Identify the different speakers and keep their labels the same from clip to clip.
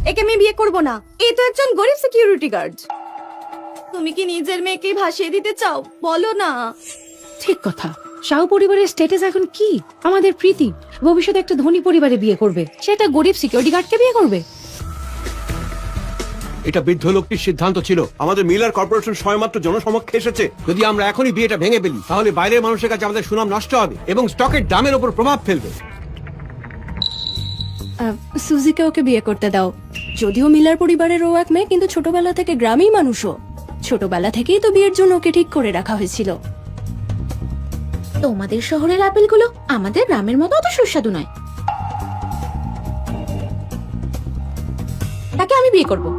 Speaker 1: একে আমি বিয়ে করব না। এ তো একজন গরিব সিকিউরিটি গার্ড। তুমি কি নিজের মেয়েকে ভাসিয়ে দিতে চাও? বলো না।
Speaker 2: ঠিক কথা। শাহু পরিবারের স্ট্যাটাস এখন কি? আমাদের প্রীতি ভবিষ্যতে একটা ধনী পরিবারে বিয়ে করবে, সেটা গরিব সিকিউরিটি গার্ডকে বিয়ে করবে?
Speaker 3: এটা বৃদ্ধ লোকটির সিদ্ধান্ত ছিল। আমাদের মিলার কর্পোরেশন সময়মাত্র জনসমক্ষে এসেছে। যদি আমরা এখনই বিয়েটা ভেঙে ফেলি তাহলে বাইরের মানুষের কাছে আমাদের সুনাম নষ্ট হবে এবং স্টকের দামের উপর প্রভাব ফেলবে।
Speaker 4: সুজিকে ওকে বিয়ে করতে দাও। যদিও মিলার পরিবারের ও এক মেয়ে, কিন্তু ছোটবেলা থেকে গ্রামেই মানুষও। ছোটবেলা থেকেই তো বিয়ের জন্য ওকে ঠিক করে রাখা হয়েছিল।
Speaker 2: তোমাদের শহরের আপেলগুলো আমাদের গ্রামের মতো অত সুস্বাদু নয়। তাকে আমি বিয়ে করব।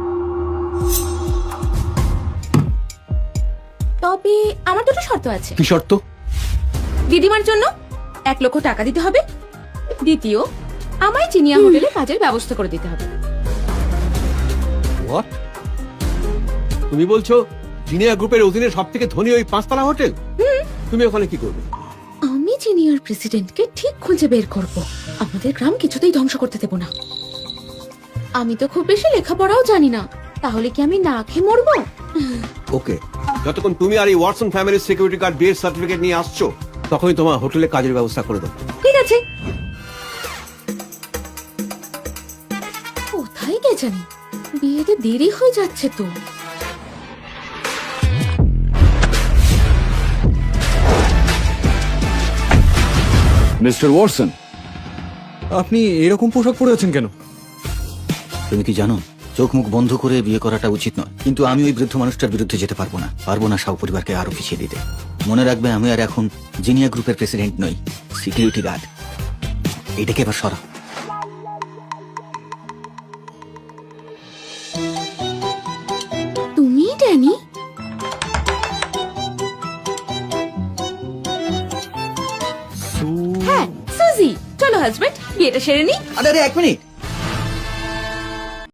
Speaker 2: তবে আমার দুটো শর্ত আছে।
Speaker 3: কি শর্ত?
Speaker 2: দিদিমার জন্য 1 লক্ষ টাকা দিতে হবে। দ্বিতীয়, আমায় চিনিয়া হোটেলে কাজের ব্যবস্থা করে দিতে হবে।
Speaker 3: What? তুমি বলছো জিনিয়া গ্রুপের অধীনে সবথেকে ধনী ওই 5 তলা হোটেল? তুমি ওখানে কি করবে?
Speaker 2: আমি সিনিয়র প্রেসিডেন্টকে ঠিক খুঁজে বের করব। আমাদের গ্রাম কিছুতেই ধ্বংস করতে দেব না। আমি তো খুব বেশি লেখাপড়াও জানি না, তাহলে কি আমি না খেয়ে মরবো?
Speaker 3: ওকে, যতক্ষণ তুমি আর এই ওয়াটসন ফ্যামিলির সিকিউরিটি গার্ড বিয়ের সার্টিফিকেট নিয়ে আসছো তখনই তোমার হোটেলে কাজের ব্যবস্থা করে দেবো।
Speaker 2: ঠিক আছে। কোথায় কে জানি, বিয়েতে দেরি হয়ে যাচ্ছে তো।
Speaker 5: মিস্টার ওয়াটসন, আপনি এরকম পোশাক পরে আছেন কেন?
Speaker 6: তুমি কি জানো, চোখ মুখ বন্ধ করে বিয়ে করাটা উচিত নয়, কিন্তু আমি ওই বৃদ্ধ মানুষটার বিরুদ্ধে যেতে পারবো না শাহ পরিবারকে আরো পিছিয়ে দিতে। মনে রাখবে, আমি আর এখন জিনিয়া গ্রুপের প্রেসিডেন্ট নই, সিকিউরিটি গার্ড। এটাকে এবার সরা।
Speaker 2: তুমি ড্যানি? হ্যাঁ, সুজি। চলো হাজবেন্ড, বিয়েটা সেরে নি।
Speaker 6: আরে 1 মিনিট,